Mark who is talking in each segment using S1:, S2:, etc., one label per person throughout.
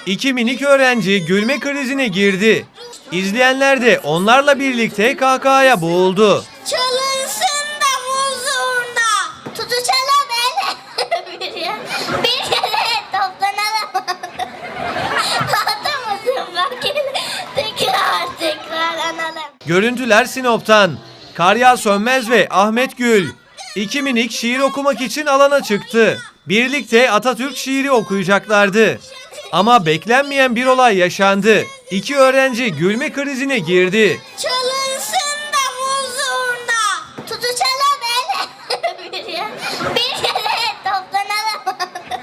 S1: İki minik öğrenci gülme krizine girdi. İzleyenler de onlarla birlikte kahkahaya boğuldu.
S2: Çalınsın davul zurna. Tutuşalım el. Bir yere toplanalım. Atamasın bak tekrar analım.
S1: Görüntüler Sinop'tan. Karya Sönmez ve Ahmet Gül. İki minik şiir okumak için alana çıktı. Birlikte Atatürk şiiri okuyacaklardı. Ama beklenmeyen bir olay yaşandı. İki öğrenci gülme krizine girdi.
S2: Çalınsın davul zurna. Tutuşalım el. Bir yere toplanalım.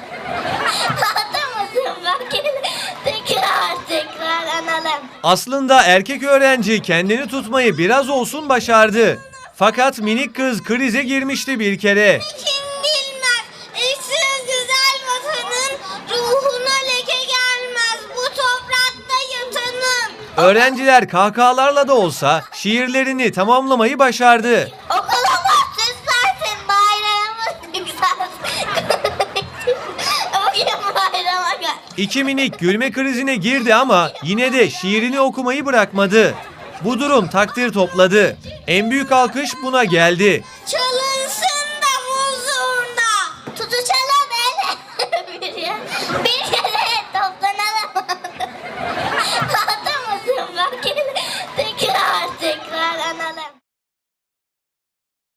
S2: Atamasın bak tekrar analım.
S1: Aslında erkek öğrenci kendini tutmayı biraz olsun başardı. Fakat minik kız krize girmişti bir kere.
S2: Kim bilmez, eşsiz güzel vatanın ruhuna leke gelmez bu toprakta yatanın.
S1: Öğrenciler kahkahalarla da olsa şiirlerini tamamlamayı başardı.
S2: Okulumuz süslensin, bayrağımız yükselsin. Bugün bayrama gel.
S1: İki minik gülme krizine girdi ama yine de şiirini okumayı bırakmadı. Bu durum takdir topladı. En büyük alkış buna geldi.
S2: Çalınsın